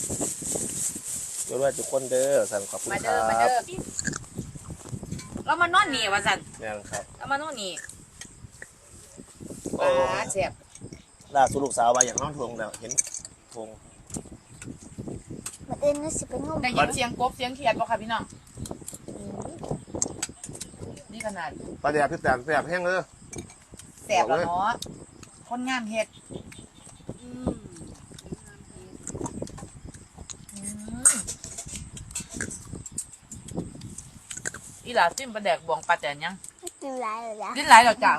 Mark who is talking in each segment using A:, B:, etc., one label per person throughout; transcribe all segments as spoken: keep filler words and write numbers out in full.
A: เดี๋ยวด้วยทุกคนเด้อสั่งขอบคุณค
B: มา
A: รั
B: เด้อมา
A: บ
B: เด้อเรามานอนนี่ว่าสัน
A: แม่นครับ
B: เรามานอนนี่
A: โอ้
B: ปลาเสียบ
A: ล่าสุดลูกสาวมาอย่างน้องทวงแล้วเห็นทวง
C: มาเอ็นนี่สิเป็นงม
B: ได้ยินเสียงกบเสียงเขียดบ่ค่ะพี่น้องนี่ขนาด
A: ปลาแดดพี่แตนแสบแห้งเลย
B: แสบแล้วเนาะคนงามเฮ็ดอืมอีหลาจิ้มปลาแดกบวงปลาแตนยัง
C: กินไรเลยจ้ะ
B: ดิ้นหลายแล้วจัง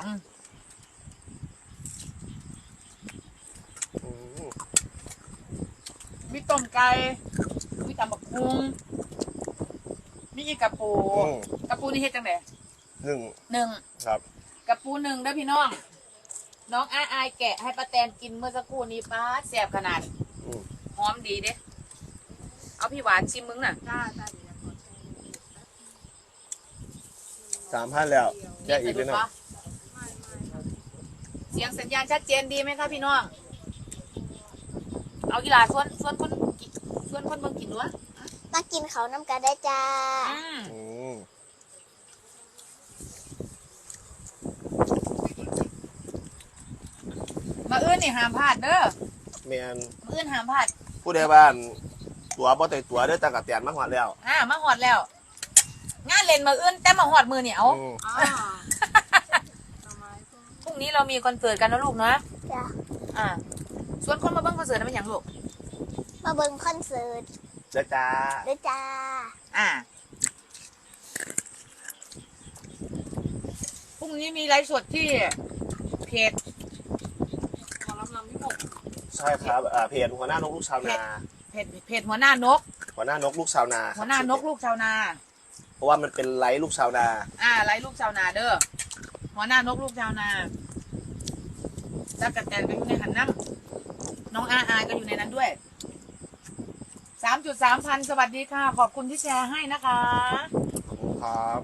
A: อืม
B: มีต้มไก่มีตำบักหุ่งมีอีกกระปู
A: อืม
B: กระปูนี่เฮ็ดจังได๋
A: หนึ่ง
B: หนึ่ง
A: ครับ
B: กระปูหนึ่งเด้อพี่น้อง น้องอายอายแกะให้ป้าแตนกินเมื่อสักครู่นี้ป้าดแซ่บขนาด
A: อืม
B: หอมดีเด้เอาพี่หวานชิมมึงน่ะ
A: สามพันแล้วแค่อีกเลยนะ
B: เสียงสัญญาณชัดเจนดีไหมคะพี่น้อง เอากีฬาส่วนส่วนคนกิส่วนคนเบิ่งกินด้วย
C: มากินเขาน้ำกันได้จ้า
B: อืม
A: อืม
B: มาอื้นนี่ห้ามพลาดเด้อ
A: แม่น
B: มาอื้นห้ามพลาด
A: ผู้ใดบ้านตัวบ่แต่ตัวเด้อตากระเตียนมาหอดแล้ว
B: อ่ามาหอดแล้ว งานเล่นมาอื้นแต่มาหอดมือเนี่ยเอา
A: อืม
B: พรุ่งนี้เรามีคอนเสิร์ตกันนะลูกนะ
C: จ้ะ
B: อ่า ส่วนคนมาเบิ่งคอนเสิร์ตนั้นเป็นอย่างลูก
C: มาเบิ่งคอนเสิร์ต
A: เจ้าจ้า
C: ด้วยจ้า
B: อ่า พรุ่งนี้มีไลฟ์สดที่เพจขอรับนำพี่หก
A: ใช่ครับอ่าเพจหัวหน้านกลูกชาวนา
B: เพจเพจหัวหน้านก
A: หัวหน้านกลูกชาวนา
B: หัวหน้านกลูกชาวนา
A: เพราะว่ามันเป็นไลฟ์ลูกชาวนา
B: อ่าไลฟ์ลูกชาวนาเด้อ หัวหน้านกลูกชาวนาจักรแตนก็อยู่ในหันน้ำน้องอาอายก็อยู่ในนั้นด้วย สามจุดสามพันสวัสดีค่ะ ขอบคุณที่แชร์ให้นะคะ
A: ขอบคุณครับ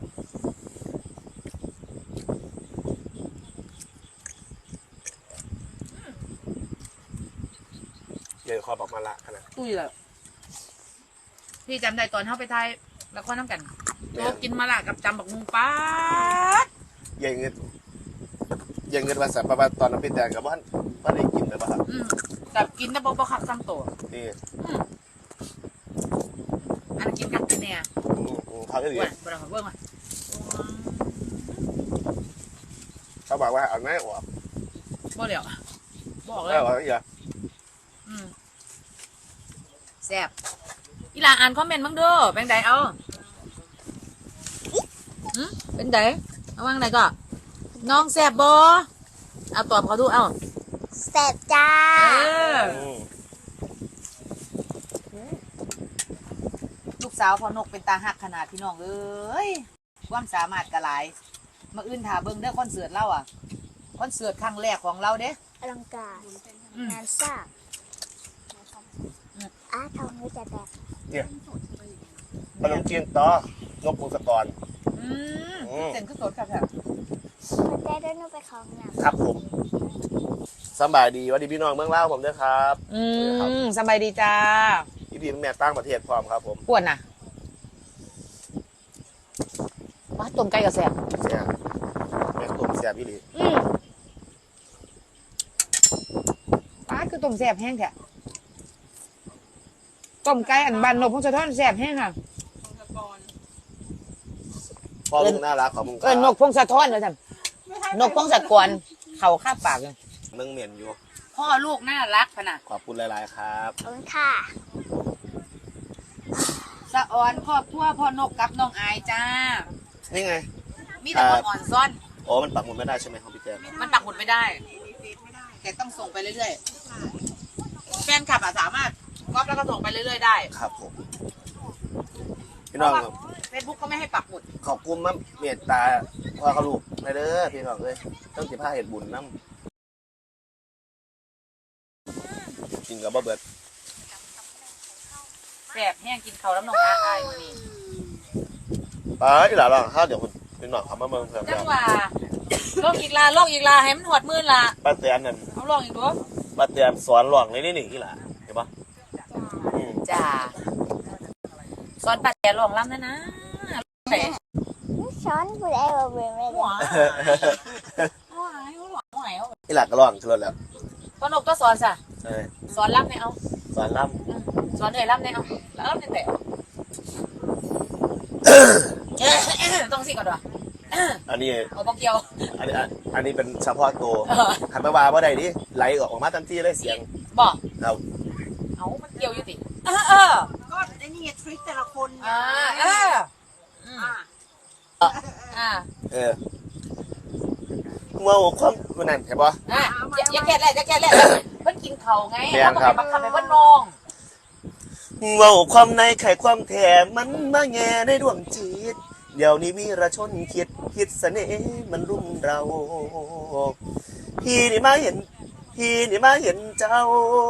A: เดี๋ยวขอบอกมาละขนาด
B: ตุ้ยเลยพี่จำได้ตอนเข้าไปไทยแล้วก็น้ำกันโตกินมาละกับจำบักมุงป้าด
A: เยังเงินเยังเงินภาษาประมาณตอนนั้นพี่แตนกับว่าว่าได้กินเลยป่ะครับ
B: อืมกับกินแต่บ่บ่ขับซ้ำตัว
A: นี่
B: อืมอันนนกินกับกินเนี่ย
A: อืมอืมเขาก็ดี
B: เว้ยบ่ได้ขอเบิ่งอ่ะ
A: เขาบอกว่าเอาไงออก
B: บ่เหลียวบอกเล
A: ได้
B: ย
A: ออกอย่า
B: อืมแซ่บอีหลาอ่านคอมเมนต์บ้างเด้อเป็นไดเอาหืมเป็นไดเอาว่างไหนก็น้องแซ่บบ่เอาตอบเขาดูเอา
C: แซ่บจ้า
B: เออ
A: อืม
B: ลูกสาวพอนกเป็นตาหักขนาดพี่น้องเอ้ยความสามารถกระหลายมาอื่นถาเบิ่งเด้อคอนเสิร์ตเราอ่ะคอนเสิร์ตครั้งแรกของเราเด้
C: อลังการ
B: อืม
C: งานสร้างอาทองมือจะแตก
A: เนี่ยขนมจีนต่อนกพงศกร
B: อืม
A: อืม
B: เส้นก็สดครับแท้
C: มาได้ด้วยนูไปของน้
A: ครับผมสบายดีหวันดีพี่น้องเมืองเล่าวผมด้วยครับ
B: อืมสบายดีจ้า
A: อีพีแม่ตั้งประเทศพร้อมครับผม
B: ปวดน่ะว้าต้มไก่กับแซ่บ
A: เสียแม่ตุ่มเสียพี่ลี
B: อืมป้าดคือต้มแซ่บแห้งแท้ต้มไก่อันบานนกพงศธรแซ่บแห้งค่ะ
A: พ่อลุงน่ารักขอบคุณค
B: เอ
A: รั
B: อนกพงศธรเลยจ้ะนกพงศกรเขาคาบปากเลย
A: นึ่งเหม็นอยู่
B: พ่อลูกน่ารักขนาด
A: ขอบคุณหลายๆครับ
C: ำขอบคุณค่ะ
B: สะออนครอบครัวพ่อนกกับน้องอายจ้า
A: นี่ไง
B: มีแต่คนอ่อนซ่อน
A: โอ้มันปักหมุดไม่ได้ใช่ไหมของพี่แจม
B: มันปักหมุดไม่ได้ แต่ต้องส่งไปเรื่อยๆ แฟนคลับอะสามารถก๊อปแล้วก็ส่งไปเรื่อยๆได้
A: ครับผมพี่
B: เพ
A: น้อง
B: ราะว่าเฟซบุ๊กเขาไม่ให้ปักหมุด
A: ขอบคุณมากเมตตาพ่อเขาลูกในเด้อพี่น้องเลยต้องสิบห้าเหตุบุญน้ำกินกับบ่เบิด
B: แสบแห้งกินเขาวแล้วน้องอาอายมื้อนี่
A: ไปอีหล่าลองข้าวเดี๋ยวคุณพี่น้องเขามาเมืองเพิ่ม
B: จั
A: แล้
B: ง
A: ว
B: หว่าลอกอีกลาลอกอีกลาให้มันหอดมือละ
A: ป้าเตียนนั่น
B: เอาลอกอีกด้วย
A: ป้าเตียนสอนหลวงเลยนี่นี่อีหล่าเห็นปะ
C: จ้า
A: อืม
B: จ้าสอนปัดแต่ลองล่ำนะนะไหน
C: ช้อนผู้ใดบ่เบิ่งเลย
B: หัวหัวหัวหัวหัว
A: อีหลักก็ร้องขึ้นรถแล้ว
B: ก็นกก็สอนซะ
A: เออ
B: สอนล่ำเนี่ยเอา
A: สอนล่
B: สอนเหนื่อยล่ำเนี่ยเอาแล้วล่ำเนี่ยแต่ต้องสิก่อนด้วย
A: ำอันนี้
B: เอาบอกเกียว
A: อันนี้อันนี้เป็นเฉพาะตัว
B: เออ
A: หันมาว่าว่าใดดิไหลออกมาทันทีเลยเสียง
B: บอก
A: เรา
B: เอามันเกี่ยวอยู่ติเออเออ
D: ก็ไอ้นี่ไงทริคแต่ละคนไง
B: อ่าเอออืม
D: อ่ะ
B: อ่า
A: เออเมื่อความมันนั่นใช่ปะ
B: อ่ะอย่าอย่าแค่แรกอย่าแค่แรกเพิ่นกินเขาไง
A: แม่
B: แล้ว
A: น
B: ก็
A: ครั
B: ไป
A: บ
B: บังคับให้เพิ่นนอง
A: เว่าความในไขความแถมมันมาแง่ในดวงจิต เดี๋ยวนี้วีรชนคิดคิดเสน่ห์มันรุมเรา พี่นี่มาเห็น พี่นี่มาเห็นเจ้า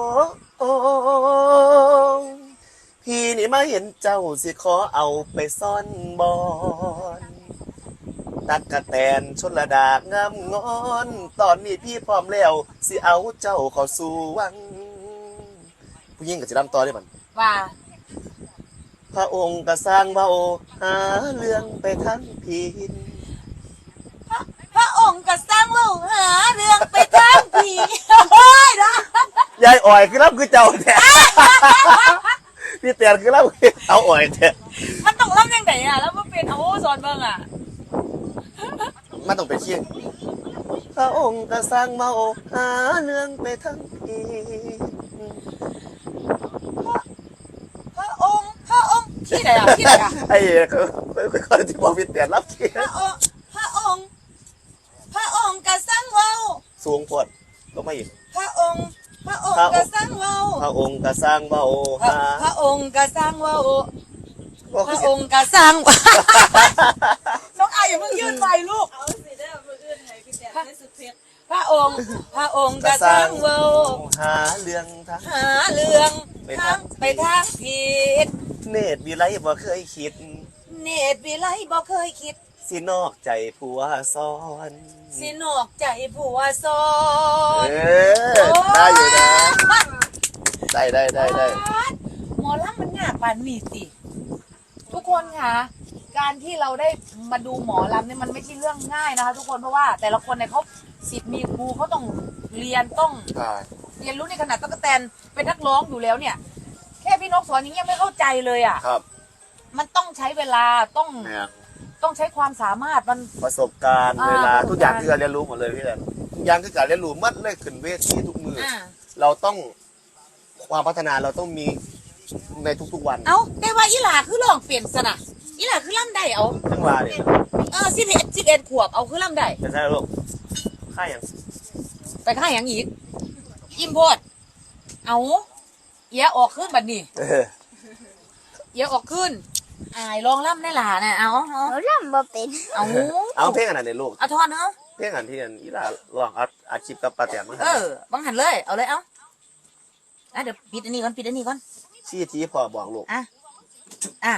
A: พี่นี่มาเห็นเจ้าสิขอเอาไปซ่อนบอนตักกะแตนชนระดากงามงอน ตอนนี้พี่พร้อมแล้วสิเอาเจ้าเข้าสู่วัง ผู้หญิงกับสิรำต่อได้มัน
B: ว่า
A: พระองค์ก็สร้างเบาหาเรื่องไปทั้งพิน
B: พระองค์ก็สร้างลูกหาเรื่องไปทางผีเฮ้ยนะ
A: ยายอ่อยคือรับคือเจ้าแท้ พี่เตียนคือรับคือเอาอ่อยแท้
B: มันต้องรับยังไงอ่ะแล้วมันเป็นเอาสอนเบิ่งอ่ะ
A: มันต้องเป็นขี้พระองค์ก็สร้างเมาหาเรื่องไปทั้งพิน
B: พระองค์พระองค์ที่ไหนอ่ะที่ไหนอ่ะ
A: ไอ้เขาเขาที่บอกพี่เตียนรับขี้
B: พระองค์พระองค์พระองค์ก็สร้างเว้า
A: สูงโพดลงมาอีก
B: พระองค์พระองค์ก็สร้างเว้า
A: พระองค์ก็สร้างเมา
B: พระ
A: หา
B: พระองค์ก็สร้างเว้า
A: บอก
B: พระ
A: สิ
B: องค์ก็สร้าง น้องอายอย่าเพิ่งยื่นไปลูก
D: เอาสิเด้อมืออื่นให้พี่แตนได้สุดเพชร
B: พระองค์ พระองค์
A: ก็
B: ก็
A: ส
B: ส
A: ร้า
B: ร้าง งเว้า
A: หาเรื่องทั้ง
B: หาเรื่อง
A: ไป
B: ทา
A: ทาง ง
B: ไปทางผิด
A: เนตรวิไลบ่เคยคิด
B: เนตรวิไลบ่เคยคิด
A: สินอกใจผัวซ้อน
B: สินอกใจผัวซอน
A: เออได้อยู่นะได้ได้ได้ได้
B: หมอลำมันยากปานนี้สิทุกคนค่ะ การที่เราได้มาดูหมอลำเนี่ยมันไม่ใช่เรื่องง่ายนะคะทุกคนเพราะว่าแต่ละคนเนี่ยเขาสิทธิ์มีครูเขาต้องเรียนต้อง
A: ใช่
B: เรียนรู้ในขนาดตั๊กแตนเป็นนักร้องอยู่แล้วเนี่ย แค่พี่นกสอนอย่างเงี้ยไม่เข้าใจเลยอ่ะ
A: ครับ
B: มันต้องใช้เวลาต้อง
A: เนี่ย
B: ต้องใช้ความสามารถมัน
A: ประสบการณ์
B: อ่า
A: เวลา
B: ประสบการณ์
A: ทุกอย่างที่เราเรียนรู้หมดเลยพี่แดนทุกอย่างคือการเรียนรู้หมัดเลยขึ้นเวทีทุกมืออ
B: อ่า
A: เราต้องความพัฒนาเราต้องมีในทุกๆวัน
B: เอาแต่ว่าอีหลาคือลองเปลี่ยนสนะอีหลาคือล่ำได้เอา
A: ทั้งวาเนี่ย
B: เออสิบเอ็ดสิบเอ็ดขวบเอาคือล่ำได้
A: เป็นไงลูกค่าอย่าง
B: ไปข้างอย่างอีกอิ่มโพดเอาเอียออกขึ้นบัดนี้
A: เออ
B: เอียออกขึ้นอายลองล่ำได้หลาน่ะเอาเอา
C: หนูรำบ่เป็น
B: เอา
A: เอาเพลงอันไหนเนี่ยลูก
B: เอาทอนเนาะ
A: เพลงอันที่อันอีหลาลองอัดอัดคลิปกับป้าแตนมา
B: เออบังหันเลยเอาเลยเอาอ่ะเดี๋ยวปิดอันนี้ก่อนปิดอันนี้ก่อน
A: ชี้ทีพอบอกลูก
B: อ่ะอ่ะ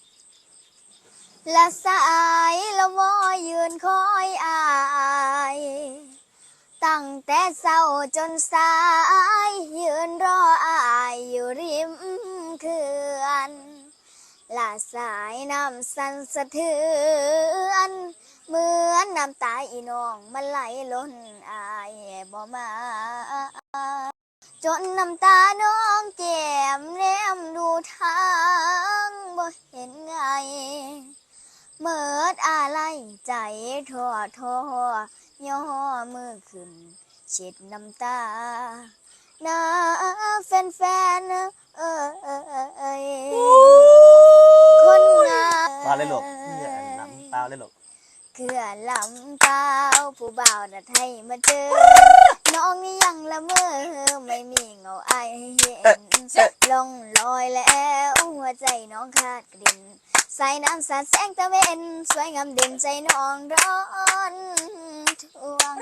C: ละสายละวอยืนคอยอาย ตั้งแต่เศร้าจนสาย ยืนรออายอยู่ริมเขื่อนละสายน้ำสั่นสะเทือน เหมือนน้ำตาอีน้องมันไหลล้นอายบ่มา จนน้ำตาน้องแก้มแนมดูทางบ่เห็นไง เมิดอะไรใจท้อท้อย่อมือขึ้นเช็ดน้ำตาน้าแฟนๆเอ้ยคนงาม
A: มาเลยลูกเพื่อนน้ำตาเลยลูก
C: เขื่อนลำเปล่าผู้บ่าวนัดให้มาเจอ น้องนี่ยังละเมอไม่มีเงาไอายเห็นลงลอยแล้วหัวใจน้องขาดกลิ่นสายน้ำสาดแสงตะเวนสวยงามเด่นใจน้องร้อนทวง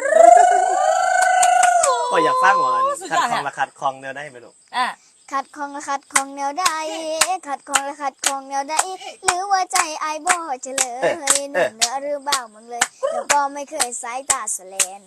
A: ก็อยากฟังว่าคัดคองละคัดคองแนวได้ไหมลูก
B: อ่ะ
C: ขัดของละขัดของแนวใดขัดของละขัดของแนวใดหรือว่าใจไอายบ่เฉลยหนุ่มเหนือหรือเบาเมืองเลยแล้วก็ไม่เคยสายตาสแลน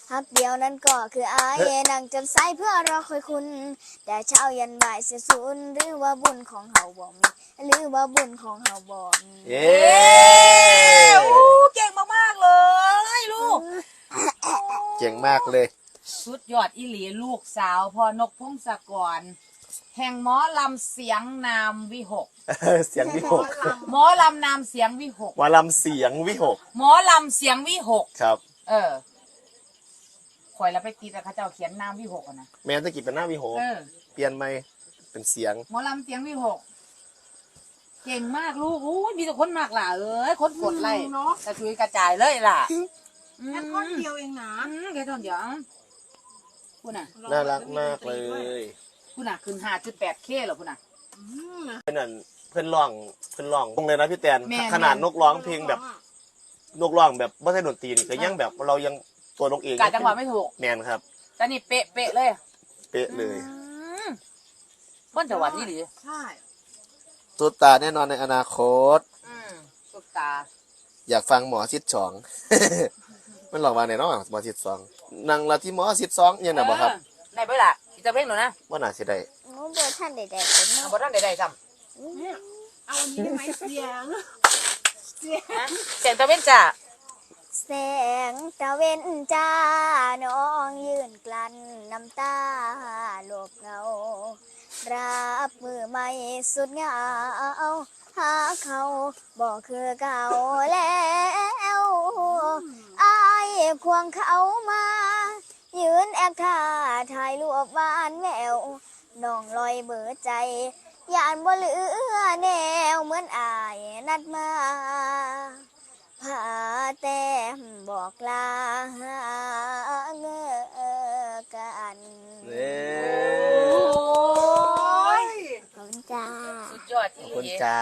C: ฮักเดียวนั้นก็คืออายนั่งจนสายเพื่อรอคอยคุณ แต่เช้ายันบ่ายเสียสูญหรือว่าบุญของเฮาบ่มีหรือว่าบุญของเฮาบ่มี
A: เย้
B: โอ้เก่งมากๆเลยลูก
A: เก่งมากเลย
B: สุดยอดอีหลีลูกสาวพ่อนกพงศกร แห่งหมอลำเสียงนามวิหก
A: เสียงวิหก
B: หมอลำนามเสียงวิหก
A: วาลำเสียงวิหก
B: หมอลำเสียงวิหก
A: ครับ
B: เออข่อยแล้วไปตีแต่เขาเจ้าเขียนนามวิหกอะนะ
A: แม้ตะกี้เป็นหน้าวิหก
B: เออ
A: เปลี่ยนไหมเป็นเสียง
B: หมอลำเสียงวิหก เก่งมากลูกอู้ยมีแต่คนมากล่ะเอ้ยคนกดไล่
D: เนาะ
B: กระชุยกระจายเลยล่ะ
D: แค่ท่อนเดียวเองนะ
B: อืมแค่ท่อนเดียวคุณน่ะ
A: น่ารักมากเลย
B: คุณน่ะขึ้นห้าจุดแปดเคเหรอคุณน่ะ
D: อืม
A: เพื่อนนั่นเพื่อนร้องเพื่อนร้องตรงเลยนะพี่แตน
B: แม่น
A: ขนาดนกร้องเพลงแบบนกร้องแบบไม่ใช่ดนตรีนี่ก็ยังแบบเรายังตัวนกเอง
B: กาจังหวะไม่ถูก
A: แมนครับ
B: แต่นี่เป๊ะเป๊ะเลย
A: เป๊ะเลย
B: อืมคนจังหวัดนี่หรือ
D: ใช่
A: ตุ๊ตาแน่นอนในอนาคต
B: อืมสุดตา
A: อยากฟังหมอชิดสอง มันหลอกมาในน้องหมอชิดสองนางละที่หมอชิดสองเนี่ยนะบ่ครับ
B: เออได้เบ่ล่ะอีจะเพลงหนูนะ
A: ว่าน่าสิได้
C: หนูบ่ทันได้ได้เป็น
B: เอา
C: เนาะ
B: บ่ทันได้ได้ซ้
D: เนี่ยเอาอันนี้ได้ไหมเสียงเสียง
B: ำฮะเสียงตะเว้นจ้า
C: แสงตะเวนจ้าน้องยืนกลั้นน้ำตาหลบเงารับมือไม่สุดเหงาหาเขาบอกคือเก่าแล้วอายควงเขามา ยืนแอบท่าถ่ายรูปหวานแววน้องลอยเบื่อใจยานบ่เหลือแนวเหมือนอายนัดมาพาแต้มบอกลาเงอกัน
A: เน่
B: โอ้ย
C: ขอบคุณจ้า
B: สุดยอด
A: ข
B: อี
A: อบ
B: ห
A: คุณ
B: ลี
A: จ้าย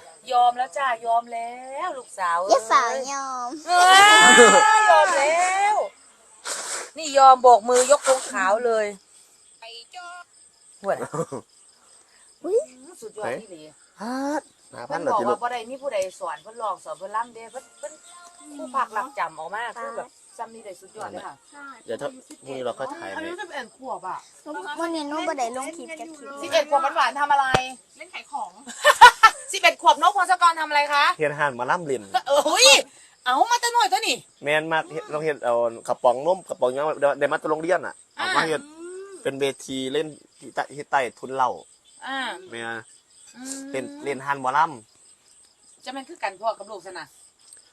B: อมแล้วจ้ายอมแล้วลูกสาว
C: อย่าฝ่า
B: เอ้ย
C: ยอม
B: เอ้ยยอมแล้ว นี่ยอมโบกมือยกธงขาวเลยหวด
C: อุ๊ย
B: สุดยอดอีหลี
A: ฮัดหาพั
B: เพิ่
A: น
B: น
A: เหรอบ
B: อ
A: จิ
B: ก
A: ลู
B: ว่าก บ่ได้มีผู้ใดสอนเพิ่นลองสอนเพิ่นล่ำเด้เพิ่นเพิ่นผู้พักหลักจำออกมาคือแบบจำนี่ได้สุดยอดเลยค่ะ
D: ใช่
A: เดี๋ยวถ้าพรุ่งนี้เราก็ถ่าย
B: อา
A: เล
B: ยุ
A: ย
B: สิบเอ็ดขวบอ่ะ
C: วันนี้หนูบ่ได้ลงคลิปกับคลิป
B: สิบเอ็ดขวบหวานๆทำอะไร
D: เล่นขายของ
B: สิบเอ็ดขวบนกพงศกรทำอะไรคะ
A: เฮ็ดห่านมาล่ำเล่น
B: เอ้ยเอามาแตั้งหน่อยเท่านี่
A: แมนมากเฮ็ดเราเฮ็ดเอากระป๋องนมกระป๋องหยังเดี๋ยวเดี๋ยวมาตะโรงเรียนอ่ะเอามาเฮ็ดเป็นเวทีเล่นที่ใต้ที่ใต้ทุนเหล้า
B: อ่า
A: แม่น
B: อืม
A: เล่นเล่นห่านหมอล่
B: จะแม่นคือกันพ่อกับลูกซะนะ
A: ำ